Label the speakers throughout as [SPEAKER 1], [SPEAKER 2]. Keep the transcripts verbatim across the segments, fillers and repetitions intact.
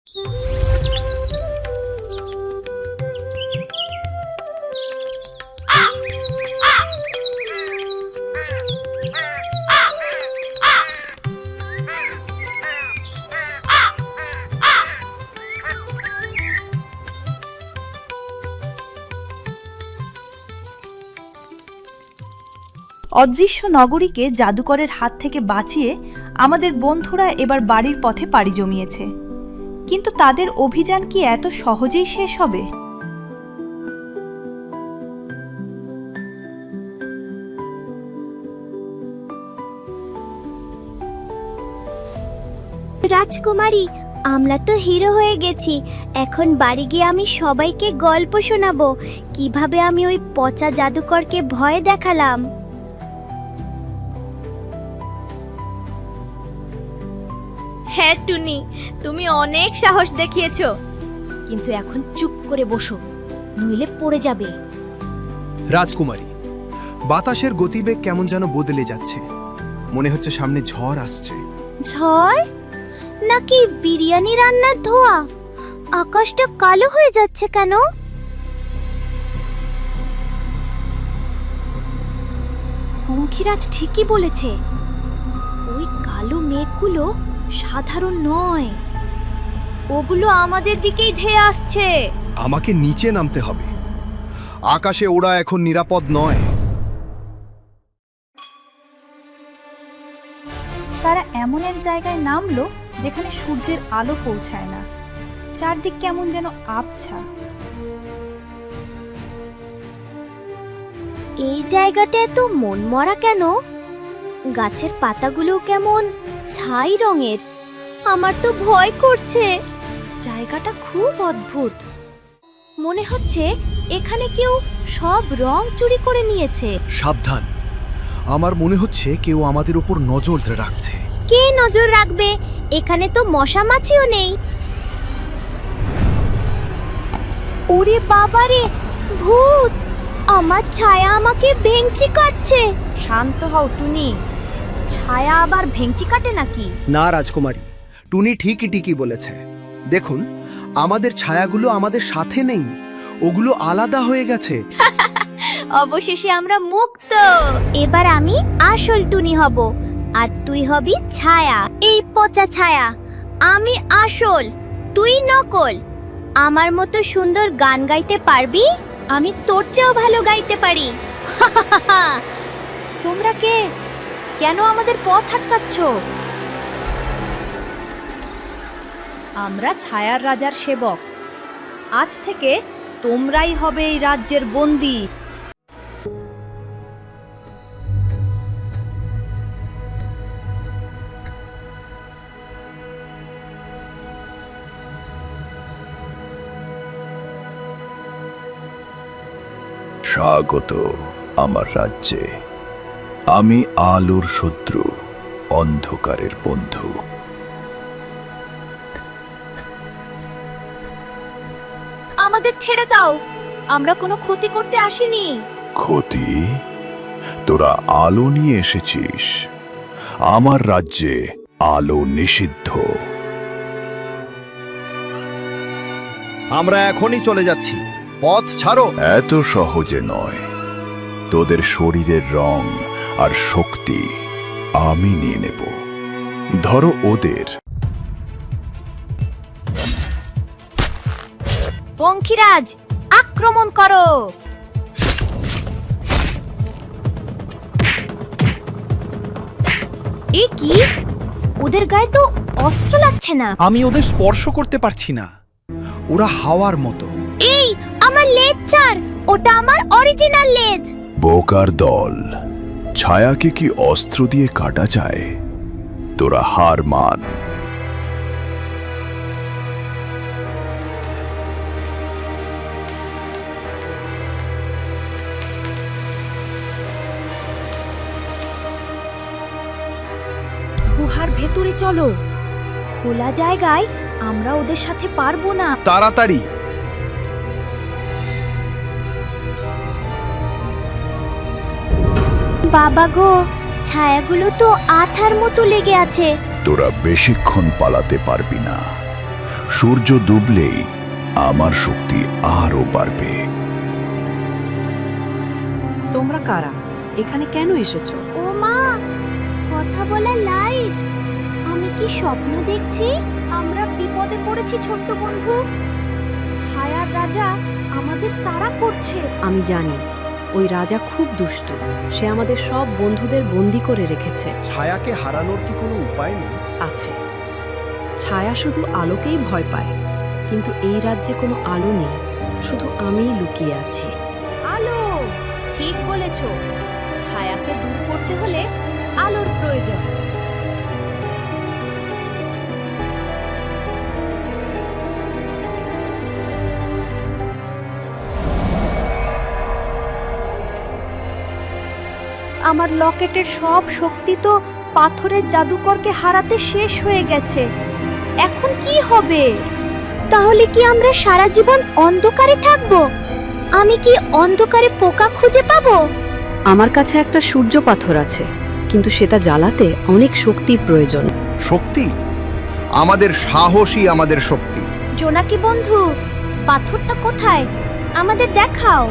[SPEAKER 1] অদৃশ্য নগরীকে জাদুকরের হাত থেকে বাঁচিয়ে আমাদের বন্ধুরা এবার বাড়ির পথে পাড়ি জমিয়েছে। কিন্তু তাদের অভিযান কি এত সহজেই শেষ হবে?
[SPEAKER 2] রাজকুমারী, আমরা তো হিরো হয়ে গেছি। এখন বাড়ি গিয়ে আমি সবাইকে গল্প শোনাবো কিভাবে আমি ওই পচা জাদুকরকে ভয় দেখালাম।
[SPEAKER 3] হ্যাঁ টুনি, তুমি অনেক সাহস দেখিয়েছো, কিন্তু এখন চুপ করে বসো, নইলে পড়ে যাবে।
[SPEAKER 4] রাজকুমারী, বাতাসের গতিবেগ কেমন যেন বদলে যাচ্ছে। মনে হচ্ছে সামনে ঝড় আসছে।
[SPEAKER 2] ঝড় নাকি বিরিয়ানি রান্নার ধোঁয়া? আকাশটা কালো হয়ে যাচ্ছে কেন?
[SPEAKER 3] পঙ্খিরাজ ঠিকই বলেছে, ওই কালো মেঘগুলো সাধারণ নয়, ওগুলো আমাদের দিকেই ধেয়ে আসছে।
[SPEAKER 5] আমাকে নিচে নামতে হবে, আকাশে ওড়া এখন নিরাপদ নয়।
[SPEAKER 1] তারা এমন এক জায়গায় নামলো যেখানে সূর্যের আলো পৌঁছায় না। চারদিক কেমন যেন আবছা।
[SPEAKER 2] এই জায়গাটা এত মনমরা কেন? গাছের পাতাগুলো কেমন ছাই রঙের। আমার তো ভয় করছে।
[SPEAKER 3] জায়গাটা খুব অদ্ভুত, মনে হচ্ছে এখানে কেউ সব রং চুরি করে নিয়েছে।
[SPEAKER 5] সাবধান, আমার মনে হচ্ছে কেউ আমাদের উপর নজর রাখছে।
[SPEAKER 2] কে নজর রাখবে? এখানে তো মশা মাছিও নেই। ওরে বাবারে, ভূত! আমার ছায়া আমাকে ভেঙচি কাটছে।
[SPEAKER 3] শান্ত হও টুনি, ছায়া আবার ভেঙচি কাটে নাকি?
[SPEAKER 4] না রাজকুমারী, টুনি ঠিকই ঠিকই বলেছে। দেখুন, আমাদের ছায়াগুলো আমাদের সাথে নেই, ওগুলো আলাদা হয়ে গেছে।
[SPEAKER 3] অবশেষে আমরা মুক্ত।
[SPEAKER 2] এবার আমি আসল টুনি হব, আর তুই হবি ছায়া। এই পচা ছায়া, আমি আসল, তুই নকল। আমার মতো সুন্দর গান গাইতে পারবি? আমি তোর চেয়েও ভালো গাইতে পারি।
[SPEAKER 3] তোমরা কে? কেন আমাদের পথ আটকাচ্ছ? আমরা ছায়ার রাজার সেবক। আজ থেকে তোমরাই হবে এই রাজ্যের বন্দী।
[SPEAKER 6] স্বাগত আমার রাজ্যে। আমি আলোর শত্রু, অন্ধকারের বন্ধু।
[SPEAKER 3] আমাদের ছেড়ে দাও, আমরা কোনো ক্ষতি করতে আসিনি।
[SPEAKER 6] ক্ষতি? তোরা আলো নিয়ে এসেছিস। আমার রাজ্যে আলো নিষিদ্ধ।
[SPEAKER 5] আমরা এখনই চলে যাচ্ছি, পথ ছাড়ো।
[SPEAKER 6] এত সহজে নয়। তোদের শরীরের রং আর শক্তি আমি নিয়ে নেব। ধরো ওদের।
[SPEAKER 3] পঙ্খিরাজ, আক্রমণ করো! এ কি? ওদের গায়ে তো অস্ত্র লাগছে না।
[SPEAKER 4] আমি ওদের স্পর্শ করতে পারছি না, ওরা হাওয়ার মতো।
[SPEAKER 2] এই, আমার লেজ ছাড়, ওটা আমার অরিজিনাল লেজ।
[SPEAKER 6] বোকার দল, ছায়াকে কি অস্ত্র দিয়ে কাটা যায়? তোরা হার মান।
[SPEAKER 3] গুহার ভেতরে চলো। খোলা জায়গায় আমরা ওদের সাথে পারবো না।
[SPEAKER 5] তাড়াতাড়ি!
[SPEAKER 2] বাবা গো, ছায়াগুলো তো আঠার মতো লেগে আছে।
[SPEAKER 6] তোরা বেশিক্ষণ পালাতে পারবি না। সূর্য ডুবলেই আমার শক্তি আরো বাড়বে।
[SPEAKER 7] তোমরা কারা? এখানে কেন এসেছো?
[SPEAKER 2] ও মা, কথা বলা লাইট। আমি কি স্বপ্ন দেখছি?
[SPEAKER 3] আমরা বিপদে পড়েছি ছোট্ট বন্ধু। ছায়ার রাজা আমাদের তাড়া করছে।
[SPEAKER 7] আমি জানি ওই রাজা খুব দুষ্টু। সে আমাদের সব বন্ধুদের বন্দি করে রেখেছে।
[SPEAKER 4] ছায়াকে হারানোর কি কোনো উপায় নেই?
[SPEAKER 7] আছে। ছায়া শুধু আলোকেই ভয় পায়, কিন্তু এই রাজ্যে কোনো আলো নেই, শুধু আমিই লুকিয়ে আছি।
[SPEAKER 3] আলো, ঠিক বলেছ। ছায়াকে দূর করতে হলে আলোর প্রয়োজন।
[SPEAKER 1] আমার লকেটের সব শক্তি তো পাথরের জাদুকরকে হারাতে শেষ হয়ে গেছে। এখন কি হবে?
[SPEAKER 2] তাহলে কি আমরা সারা জীবন অন্ধকারে থাকব? আমি কি অন্ধকারে পোকা খুঁজে পাবো?
[SPEAKER 7] আমার কাছে একটা সূর্য পাথর আছে, কিন্তু সেটা জ্বালাতে অনেক শক্তি প্রয়োজন।
[SPEAKER 5] শক্তি? আমাদের সাহসই আমাদের শক্তি।
[SPEAKER 2] জোনাকি বন্ধু, পাথরটা কোথায়? আমাদের দেখাও।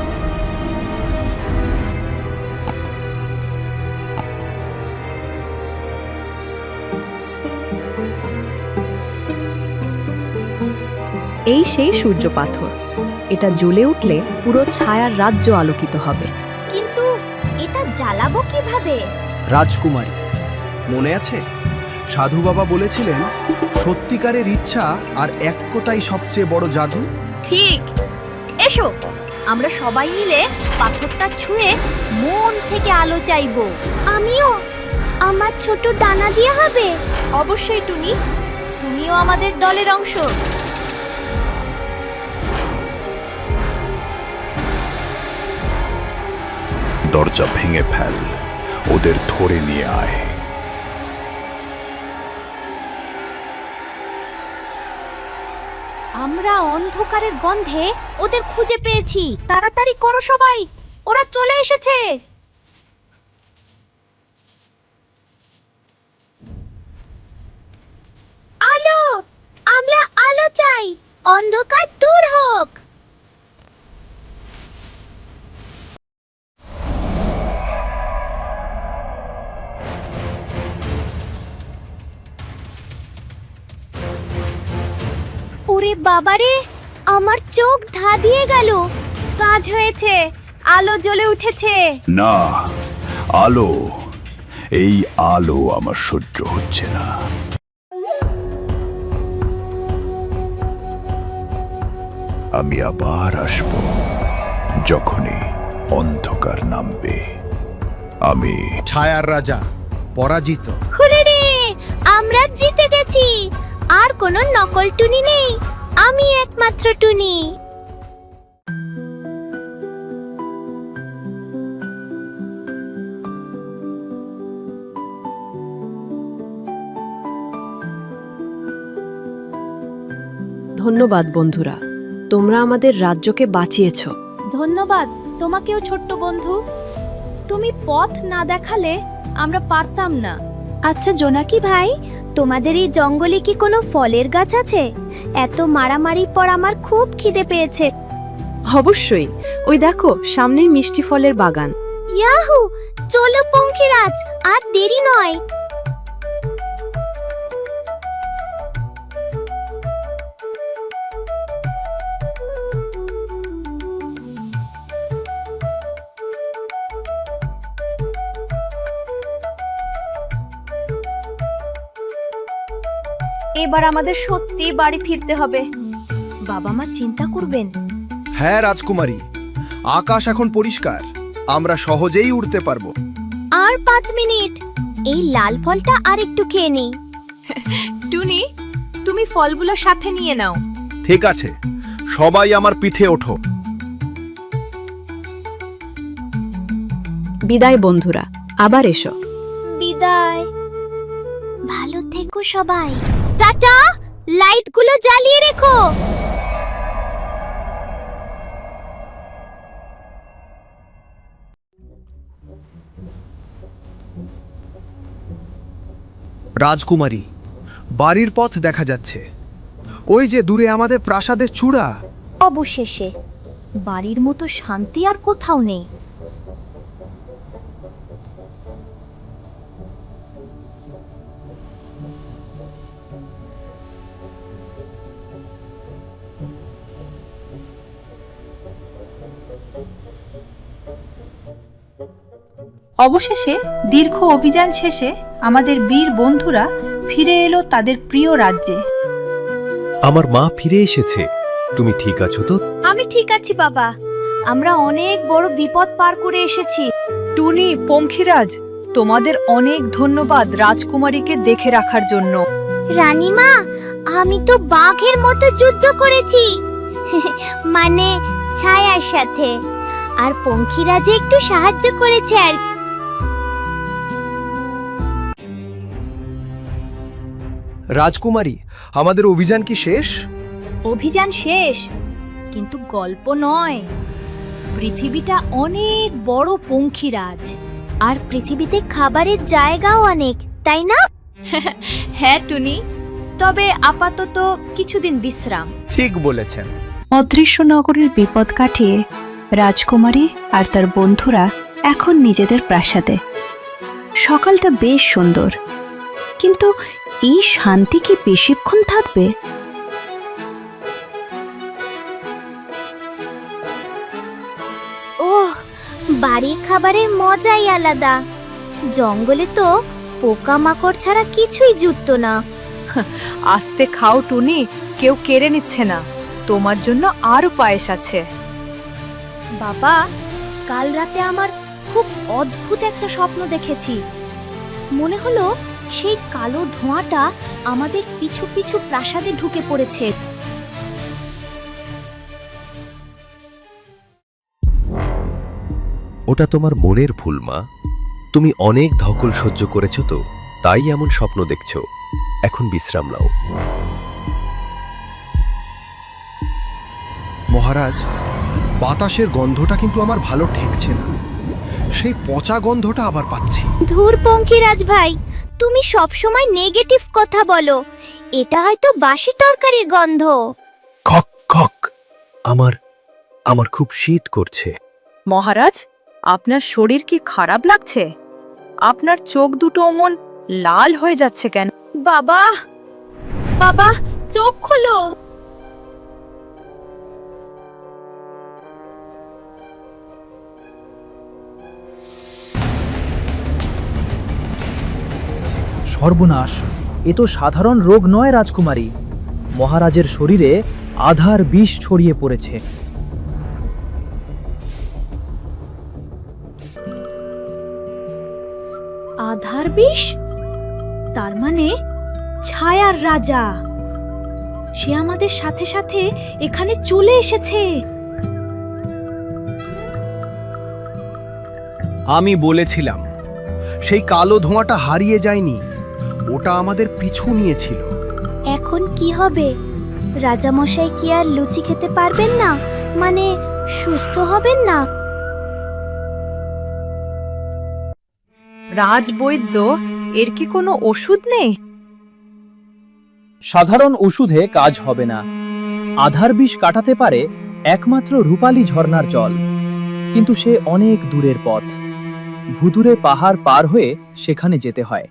[SPEAKER 7] এই সেই সূর্য পাথর। এটা জ্বলে উঠলে পুরো ছায়ার রাজ্য আলোকিত হবে।
[SPEAKER 2] কিন্তু এটা জ্বালাবো কিভাবে?
[SPEAKER 4] রাজকুমারী, মনে আছে সাধু বাবা বলেছিলেন সত্যিকারের ইচ্ছা আর একতাই সবচেয়ে বড় জাদু?
[SPEAKER 3] ঠিক। এসো, আমরা সবাই মিলে পাথরটা ছুঁয়ে মন থেকে আলো চাইবো।
[SPEAKER 2] আমিও। আমার ছোট ডানা দিয়ে হবে?
[SPEAKER 3] অবশ্যই টুনি, তুমিও আমাদের দলের অংশ।
[SPEAKER 6] দরজা ভেঙে ফেল, ওদের ধরে নিয়ে আয়।
[SPEAKER 3] আমরা অন্ধকারের গন্ধে ওদের খুঁজে পেয়েছি। তাড়াতাড়ি করো সবাই, ওরা চলে এসেছে।
[SPEAKER 2] আলো, আমরা আলো চাই। অন্ধকার দূর হোক। ওরে বাবারে, আমার চোখ ধা দিয়ে গেল।
[SPEAKER 3] কাজ হয়েছে, আলো জ্বলে উঠেছে।
[SPEAKER 6] না, আলো, এই আলো আমার সহ্য হচ্ছে না। আমি আবার আসব যখনই অন্ধকার নামবে। আমি
[SPEAKER 4] ছায়ার রাজা পরাজিত।
[SPEAKER 2] হুরে রে, আমরা জিতে গেছি। আর কোনো নকল টুনি নেই, আমি একমাত্র টুনি।
[SPEAKER 7] ধন্যবাদ বন্ধুরা, তোমরা আমাদের রাজ্যকে বাঁচিয়েছো।
[SPEAKER 3] ধন্যবাদ তোমাকেও ছোট্ট বন্ধু। তুমি পথ না দেখালে আমরা পারতাম না।
[SPEAKER 2] আচ্ছা জোনাকি ভাই, তোমাদের এই জঙ্গলে কি কোনো ফলের গাছ আছে? এত মারামারির পর আমার খুব খিদে পেয়েছে।
[SPEAKER 7] অবশ্যই, ওই দেখো সামনেই মিষ্টি ফলের বাগান।
[SPEAKER 2] ইয়াহু, চলো পঙ্খিরাজ, আর দেরি নয়।
[SPEAKER 1] এবার আমাদের সত্যি বাড়ি ফিরতে হবে। বাবা মা চিন্তা করবেন।
[SPEAKER 4] হ্যাঁ রাজকুমারী, আকাশ এখন পরিষ্কার, আমরা সহজেই উড়তে পারবো।
[SPEAKER 2] আর পাঁচ মিনিট, এই লাল ফলটা আর একটু খেয়ে নিই।
[SPEAKER 3] টুনি, তুমি ফলগুলো সাথে নিয়ে নাও।
[SPEAKER 4] ঠিক আছে, সবাই আমার পিঠে ওঠো।
[SPEAKER 7] বিদায় বন্ধুরা, আবার এসো।
[SPEAKER 2] বিদায়। ভালো থেকো সবাই। টাটা, লাইটগুলো জ্বালিয়ে রেখো।
[SPEAKER 4] রাজকুমারী, বাড়ির পথ দেখা যাচ্ছে।
[SPEAKER 8] ওই যে দূরে আমাদের প্রাসাদের চূড়া।
[SPEAKER 3] অবশেষে বাড়ির মতো শান্তি আর কোথাও নেই।
[SPEAKER 1] অবশেষে দীর্ঘ অভিযান শেষে আমাদের বীর বন্ধুরা ফিরে এলো তাদের প্রিয় রাজ্যে।
[SPEAKER 9] আমার মা ফিরে এসেছে। তুমি ঠিক আছো তো?
[SPEAKER 3] আমি ঠিক আছি বাবা। আমরা অনেক বড় বিপদ পার করে এসেছি।
[SPEAKER 7] টুনি, পঙ্খিরাজ, তোমাদের অনেক ধন্যবাদ রাজকুমারীকে দেখে রাখার জন্য।
[SPEAKER 2] রানীমা, আমি তো বাঘের মতো যুদ্ধ করেছি মানে ছায়ার সাথে, আর পঙ্খিরাজে একটু সাহায্য করেছে আর
[SPEAKER 4] রাজকুমারী, আমাদের অভিযান কি শেষ?
[SPEAKER 3] অভিযান শেষ, কিন্তু গল্প নয়। পৃথিবীটা অনেক বড় পঙ্খিরাজ।
[SPEAKER 2] আর পৃথিবীতে খাবারের জায়গাও অনেক, তাই না?
[SPEAKER 3] হ্যাঁ টুনি, তবে আপাতত কিছুদিন বিশ্রাম।
[SPEAKER 4] ঠিক বলেছেন।
[SPEAKER 7] অদৃশ্য নগরীর বিপদ কাটিয়ে রাজকুমারী আর তার বন্ধুরা এখন নিজেদের প্রাসাদে। সকালটা বেশ সুন্দর, কিন্তু এই শান্তি কি বেশিক্ষণ থাকবে?
[SPEAKER 2] ওহ, বাড়ির খাবারের মজাই আলাদা। জঙ্গলে তো পোকামাকড় ছাড়া কিছুই জুটতো না।
[SPEAKER 7] আস্তে খাও টুনি, কেউ কেড়ে নিচ্ছে না। তোমার জন্য আরও পায়েস আছে।
[SPEAKER 3] বাবা, কাল রাতে আমার খুব অদ্ভুত একটা স্বপ্ন দেখেছি। মনে হলো সেই কালো ধোঁয়াটা আমাদের পিছু পিছু প্রাসাদে ঢুকে পড়েছে।
[SPEAKER 9] ওটা তোমার মনের ভুল মা। তুমি অনেক ধকল সহ্য করেছো তো, তাই এমন স্বপ্ন দেখছো। এখন বিশ্রাম নাও।
[SPEAKER 4] মহারাজ, বাতাসের গন্ধটা কিন্তু আমার ভালো ঠেকছে না। সেই পচা গন্ধটা আবার পাচ্ছি।
[SPEAKER 2] ধুর পঙ্খিরাজ ভাই, তুমি সবসময় নেগেটিভ কথা বলো। এটা হয়তো বাসি তরকারির গন্ধ।
[SPEAKER 9] খক খক, আমার আমার খুব শীত করছে।
[SPEAKER 7] মহারাজ, আপনার শরীর কি খারাপ লাগছে? আপনার চোখ দুটো অমন লাল হয়ে যাচ্ছে কেন?
[SPEAKER 3] বাবা, বাবা, চোখ খোলো।
[SPEAKER 10] সর্বনাশ! এ তো সাধারণ রোগ নয় রাজকুমারী। মহারাজের শরীরে আধার বিষ ছড়িয়ে পড়েছে।
[SPEAKER 3] আধার বিষ? তার মানে ছায়ার রাজা। সে আমাদের সাথে সাথে এখানে চলে এসেছে।
[SPEAKER 4] আমি বলেছিলাম, সেই কালো ধোঁয়াটা হারিয়ে যায়নি, ওটা আমাদের পিছু নিয়েছিল।
[SPEAKER 2] এখন কি হবে? রাজামশাই কি আর লুচি খেতে পারবেন না? মানে সুস্থ হবেন না?
[SPEAKER 7] রাজবৈদ্য, এর কি কোনো ওষুধ নেই?
[SPEAKER 10] সাধারণ ওষুধে কাজ হবে না। আধার বিষ কাটাতে পারে একমাত্র রূপালী ঝর্ণার জল, কিন্তু সে অনেক দূরের পথ। ভুতুরে পাহাড় পার হয়ে সেখানে যেতে হয়।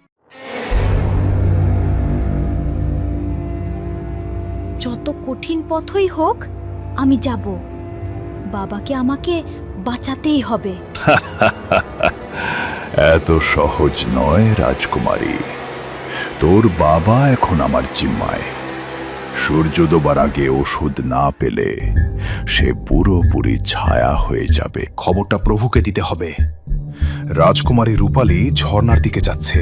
[SPEAKER 3] যত কঠিন পথই হোক, আমি যাব। বাবাকে আমাকে বাঁচাতেই হবে।
[SPEAKER 6] এত সহজ নয় রাজকুমারী। তোর বাবা এখন আমার জিম্মায়। সূর্য ডোবার আগে ওষুধ না পেলে সে পুরোপুরি ছায়া হয়ে যাবে।
[SPEAKER 5] খবরটা প্রভুকে দিতে হবে। রাজকুমারী রূপালী ঝর্ণার দিকে যাচ্ছে।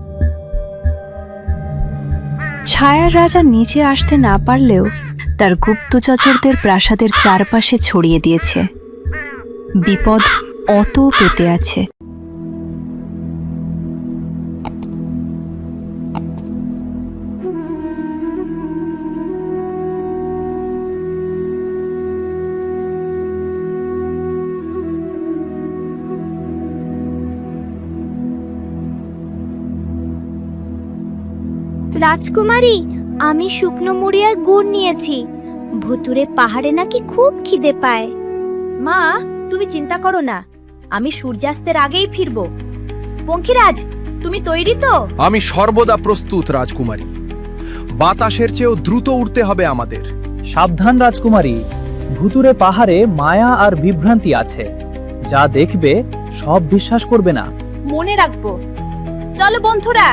[SPEAKER 7] ছায়ার রাজা নিচে আসতে না পারলেও তার গুপ্তচরদের প্রাসাদের চারপাশে ছড়িয়ে দিয়েছে। বিপদ অত পেতে আছে।
[SPEAKER 2] রাজকুমারী, আমি শুকনো মুড়ি আর গুড় নিয়েছি। ভুতুরে পাহাড়ে নাকি খুব খিদে পায়।
[SPEAKER 3] মা, তুমি চিন্তা করো না, আমি সূর্যাস্তের আগেই ফিরবো। পঙ্খিরাজ, তুমি তৈরি তো?
[SPEAKER 4] আমি সর্বদা প্রস্তুত রাজকুমারী। বাতাসের চেয়েও দ্রুত উঠতে হবে আমাদের।
[SPEAKER 10] সাবধান রাজকুমারী, ভুতুরে পাহাড়ে মায়া আর বিভ্রান্তি আছে। যা দেখবে সব বিশ্বাস করবে না।
[SPEAKER 3] মনে রাখবো। চলো বন্ধুরা।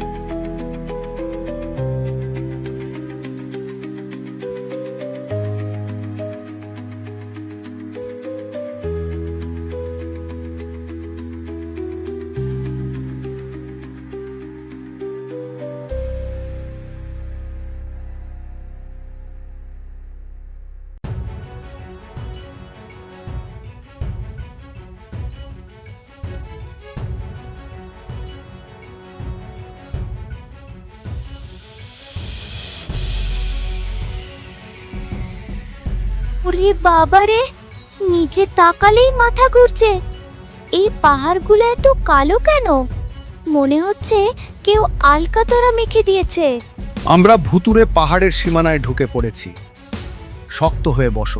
[SPEAKER 2] ওরে বাবারে, নিচে তাকালেই মাথা ঘুরছে। এই পাহাড়গুলো এত কালো কেন? মনে হচ্ছে কেউ আলকাতরা মেখে দিয়েছে।
[SPEAKER 5] আমরা ভুতুরে পাহাড়ের সীমানায় ঢুকে পড়েছি। শক্ত হয়ে বসো।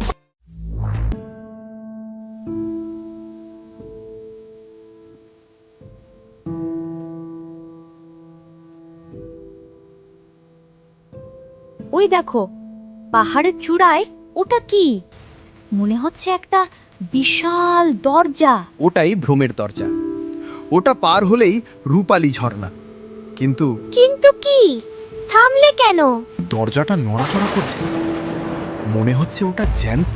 [SPEAKER 3] ওই দেখো, পাহাড়ের চূড়ায় ওটা কি? মনে হচ্ছে একটা বিশাল দরজা।
[SPEAKER 4] ওটাই ভ্রমের দরজা। ওটা পার হলেই রূপালী ঝর্ণা। কিন্তু
[SPEAKER 2] কিন্তু কি? থামলে কেন?
[SPEAKER 4] দরজাটা নড়াচড়া করছে। মনে হচ্ছে ওটা জ্যান্ত।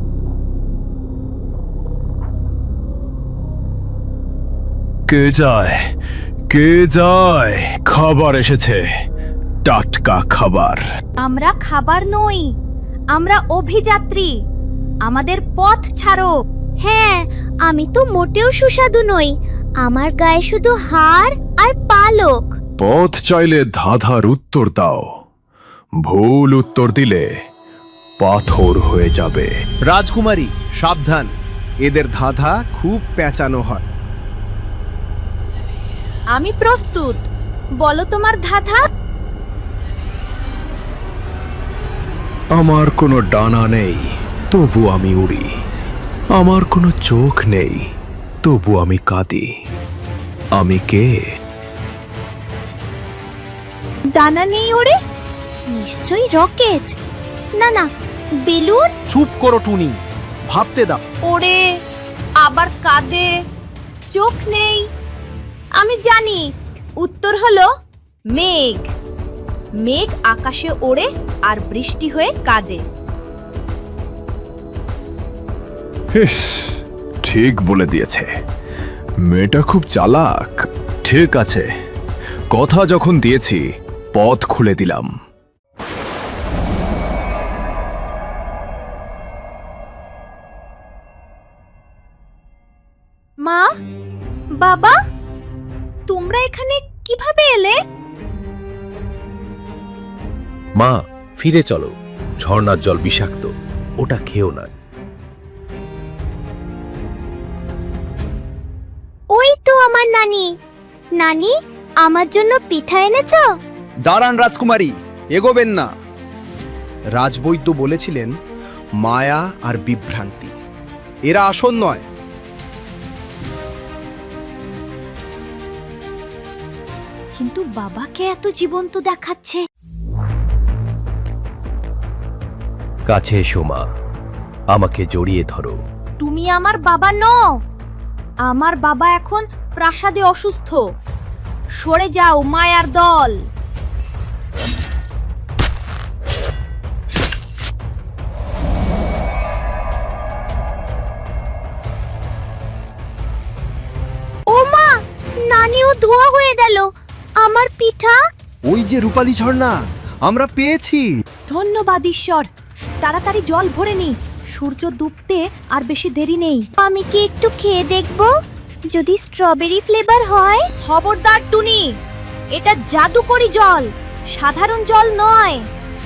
[SPEAKER 6] কে যায়? কে যায়? খাবার এসেছে, টাটকা খাবার।
[SPEAKER 3] আমরা খাবার নই, আমরা অভিযাত্রী। আমাদের পথ ছাড়ো।
[SPEAKER 2] হ্যাঁ, আমি তো মোটেও সুস্বাদু নই। আমার গায়ে শুধু হাড় আর পালক।
[SPEAKER 6] পথ চাইলে ধাঁধার উত্তর দাও। ভুল উত্তর দিলে পাথর হয়ে যাবে।
[SPEAKER 4] রাজকুমারী সাবধান, এদের ধাঁধা খুব পেঁচানো হয়।
[SPEAKER 3] আমি প্রস্তুত, বলো তোমার ধাঁধা।
[SPEAKER 6] আমার কোনো ডানা নেই, তবু আমি উড়ি। আমার কোনো চোখ নেই, তবু আমি কাঁদি। আমি কে?
[SPEAKER 2] ডানা নেই ওরে? নিশ্চয়ই রকেট। না না, বেলুন।
[SPEAKER 4] চুপ করো টুনি, ভাবতে দাও।
[SPEAKER 3] ওরে, আবার কাঁদে, চোখ নেই। আমি জানি, উত্তর হলো মেঘ। মেঘ আকাশে ওড়ে আর বৃষ্টি হয়ে কাঁদে।
[SPEAKER 6] ইস, ঠিক বলে দিয়েছে। মেয়েটা খুব চালাক। ঠিক আছে, কথা যখন দিয়েছি, পথ খুলে দিলাম।
[SPEAKER 3] মা, বাবা, তোমরা এখানে কিভাবে এলে?
[SPEAKER 9] মা, ফিরে চলো। ঝর্ণার জল বিষাক্ত, ওটা খেও না।
[SPEAKER 2] ওই তো আমার নানি। নানি, আমার জন্য পিঠা এনেছো?
[SPEAKER 4] দাঁড়ান রাজকুমারী, এগোবেন না। রাজবৈদ্য বলেছিলেন মায়া আর বিভ্রান্তি এরা আসন নয়।
[SPEAKER 3] কিন্তু বাবাকে এত জীবন্ত দেখাচ্ছে।
[SPEAKER 9] কাছে এসো মা, আমাকে জড়িয়ে ধরো।
[SPEAKER 3] তুমি আমার বাবা নও। আমার বাবা এখন প্রাসাদে অসুস্থ। সরে যাও মায়ার দল।
[SPEAKER 2] ও মা, নানিও ধোয়া হয়ে গেল। আমার পিঠা?
[SPEAKER 4] ওই যে রূপালী ঝর্ণা, আমরা পেয়েছি।
[SPEAKER 3] ধন্যবাদ ঈশ্বর। তাড়াতাড়ি জল ভরে নি, সূর্য ডুবতে আর বেশি দেরি নেই।
[SPEAKER 2] আমি কি একটু খেয়ে দেখব? যদি স্ট্রবেরি ফ্লেভার হয়?
[SPEAKER 3] খবরদার টুনি, এটা জাদুকরি জল, সাধারণ জল নয়।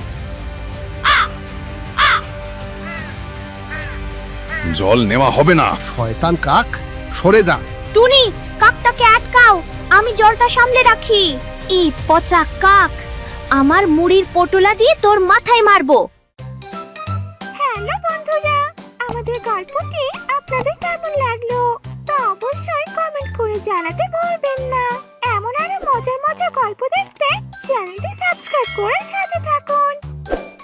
[SPEAKER 6] জল নেওয়া হবে না।
[SPEAKER 4] শয়তান কাক, সরে যা।
[SPEAKER 2] টুনি, কাকটাকে আটকাও, আমি জলটা সামলে রাখি। এই পচা কাক, আমার মুড়ির পটোলা দিয়ে তোর মাথায় মারবো। হ্যালো বন্ধুরা, আমাদের গল্পটি আপনাদের কেমন লাগলো তা অবশ্যই কমেন্ট করে জানাতে ভুলবেন না। এমন আরো মজার মজার গল্প দেখতে চ্যানেলটি সাবস্ক্রাইব করে সাথে থাকুন।